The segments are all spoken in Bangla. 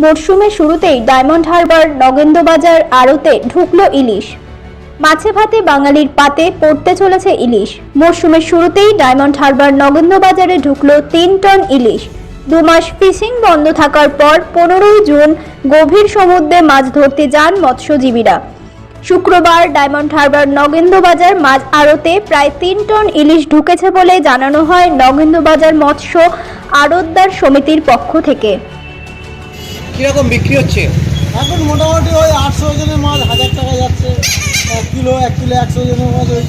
মরশুমের শুরুতেই ডায়মন্ড হারবার নগেন্দ্রবাজার আড়তে ঢুকলো ইলিশ। মাছে ভাতে বাঙালির পাতে পড়তে চলেছে ইলিশ। মরশুমের শুরুতেই ডায়মন্ড হারবার নগেন্দ্রবাজারে ঢুকলো ৩ টন ইলিশ। ২ মাস ফিশিং বন্ধ থাকার পর ১৫ই জুন গভীর সমুদ্রে মাছ ধরতে যান মৎস্যজীবীরা। শুক্রবার ডায়মন্ড হারবার নগেন্দ্রবাজার মাছ আড়তে প্রায় ৩ টন ইলিশ ঢুকেছে বলে জানানো হয় নগেন্দ্রবাজার মৎস্য আড়তদার সমিতির পক্ষ থেকে। কিরকম বিক্রি হচ্ছে? এখন মোটামুটি ওই 800 ওজনের মাছ 1000 টাকা যাচ্ছে। 1 কিলো 100 ওজনের মাছ ওই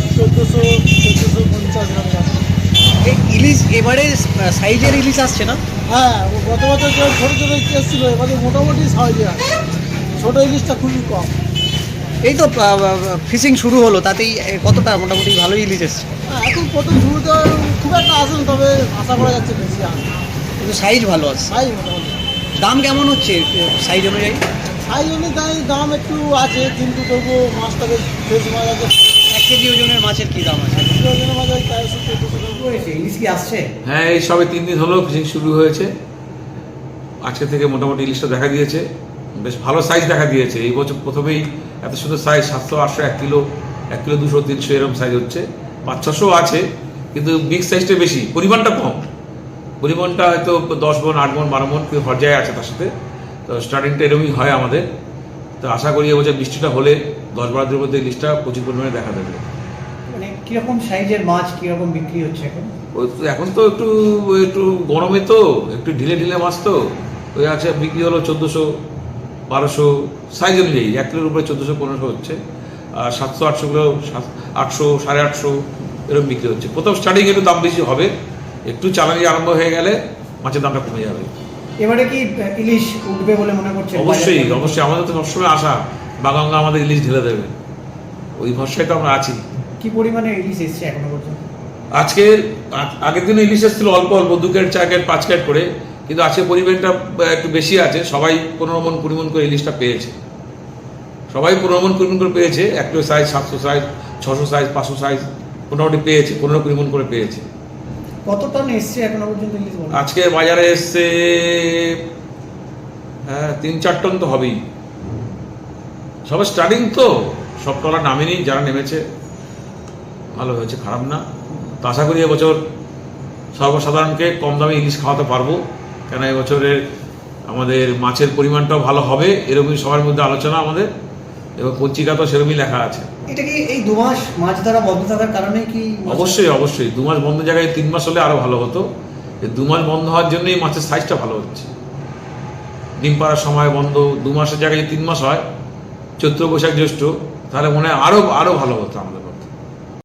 1450 গ্রাম যাচ্ছে। এই ইলিশ এবারে সাইজের ইলিশ আসছে না? হ্যাঁ, গত বছর যে ছোটো ছোটো ইলিশ এসেছিল এবারে মোটামুটি সাইজে আছে। ছোটো ইলিশটা খুবই কম। এই তো ফিশিং শুরু হলো, তাতেই কতটা মোটামুটি ভালোই ইলিশ এসছে। হ্যাঁ, এখন প্রথম শুরুতে খুব একটা আসেন, তবে আশা করা যাচ্ছে বেশি আসবে। কিন্তু সাইজ ভালো আছে। সাইজ মোটামুটি। দাম কেমন হচ্ছে সাইজ অনুযায়ী? সাইজ অনুযায়ী দাম একটু আছে, কিন্তু তবুও মাছটা বেশ ফ্রেশ মাছ আছে। 1 কেজি ওজনের মাছের কি দাম আছে? 1 কিলো ওজনের মাছ ওই 400-400 ইলিশ কি আসছে? হ্যাঁ, এই সবে 3 দিন হলো ফিশিং শুরু হয়েছে। আজকে থেকে মোটামুটি ইলিশটা দেখা দিয়েছে, বেশ ভালো সাইজ দেখা দিয়েছে। এই বছর প্রথমেই এত সুন্দর সাইজ 700, 800, 1 কিলো 200, 300 এরকম সাইজ হচ্ছে। 500-600 আছে, কিন্তু বিগ সাইজটা বেশি, পরিমাণটা কম। পরিমাণটা হয়তো 10 মণ, 8 মণ, 12 মণ পর্যায়ে আছে তার সাথে। তো স্টার্টিংটা এরকমই হয় আমাদের। তো আশা করি এবছর বৃষ্টিটা হলে 10-12 দিনের মধ্যে ইলিশটা প্রচুর পরিমাণে দেখা দেবে। মানে কিরকম সাইজের মাছ কিরকম বিক্রি হচ্ছে এখন? ওই তো এখন তো একটু একটু গরমে তো একটু ঢিলে ঢিলে মাছ তো ওই আছে, বিক্রি হলো 1400, 1200 সাইজ অনুযায়ী। 1 কিলোর উপরে 1400-1500 হচ্ছে। আর 700-800 কিলো 800, 850 এরকম বিক্রি হচ্ছে। প্রথম স্টার্টিং একটু দাম বেশি হবে, একটু চালানি আরম্ভ হয়ে গেলে মাছের দামটা কমে যাবে। এবারে কি ইলিশ উঠবে বলে মনে করছেন? অবশ্যই অবশ্যই, আমাদের তো সবসময় আশা বাগাঙ্গা আমাদের ইলিশ ঢেলে দেবে, ওই ভরসায় তো আমরা আছি। কি পরিমাণে ইলিশ এসছে এখনো পর্যন্ত? আজকের আগের দিনে ইলিশ এসেছিল অল্প অল্প, 2 ক্যারেট 4 ক্যারেট 5 ক্যারেট করে, কিন্তু আজকে পরিমাণটা একটু বেশি আছে। সবাই 15 মণ 20 মণ করে ইলিশটা পেয়েছে। সবাই 15 মণ 20 মণ করে পেয়েছে। 1 kilo size, 700 size, 600 size, 500 size মোটামুটি পেয়েছে, 15-20 মণ করে পেয়েছে। কত টন এসছে এখনো পর্যন্ত ইলিশ? আজকে বাজারে এসছে 3-4 টন তো হবেই। সবে স্টার্টিং তো, সব টলা নামেনি, যারা নেমেছে ভালো হয়েছে, খারাপ না। তো আশা করি এবছর সর্বসাধারণকে কম দামে ইলিশ খাওয়াতে পারবো, কেন এবছরের আমাদের মাছের পরিমাণটাও ভালো হবে, এরকমই সবার মধ্যে আলোচনা আমাদের, এবং পত্রিকা তো সেরকমই লেখা আছে। এটা কি এই 2 মাস মাছ ধরা বন্ধ থাকার কারণে কি? অবশ্যই অবশ্যই, 2 মাস বন্ধ জায়গায় 3 মাস হলে আরো ভালো হতো। এই 2 মাস বন্ধ হওয়ার জন্যই মাছের সাইজটা ভালো হচ্ছে। ডিম পাড়ার সময় বন্ধ, 2 মাসের জায়গায় 3 মাস হয়, চৈত্র বৈশাখ জ্যৈষ্ঠ, তাহলে মনে হয় আরো ভালো হতো আমাদের মধ্যে।